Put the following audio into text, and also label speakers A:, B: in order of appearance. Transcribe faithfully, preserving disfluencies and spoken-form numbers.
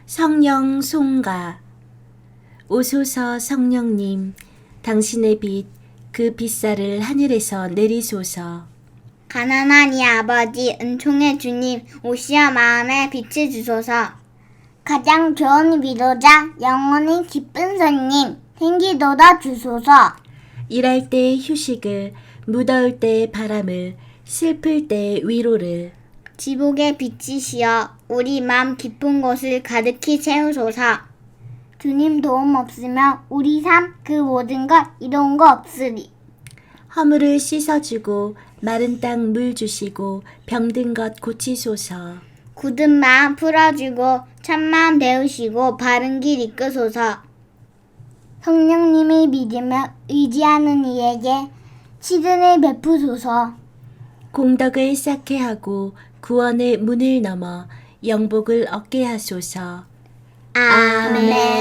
A: 성령 송가. 오소서 성령님, 당신의 빛, 그 빛살을 하늘에서 내리소서.
B: 가난한 이 아버지, 은총의 주님, 오시어 마음에 빛을 주소서. 가장 좋은 위로자, 영원히 기쁜 선님, 생기도다 주소서.
A: 일할 때 휴식을, 무더울 때 바람을, 슬플 때 위로를.
B: 지복의 빛이시여 우리 맘 깊은 곳을 가득히 채우소서. 주님 도움 없으면 우리 삶 그 모든 것 이로운 거 없으리.
A: 허물을 씻어주고 마른 땅 물 주시고 병든 것 고치소서.
B: 굳은 마음 풀어주고 참마음 배우시고 바른 길 이끄소서. 성령님을 믿으며 의지하는 이에게 치든을 베푸소서.
A: 공덕을 쌓게 하고 구원의 문을 넘어 영복을 얻게 하소서.
B: 아멘.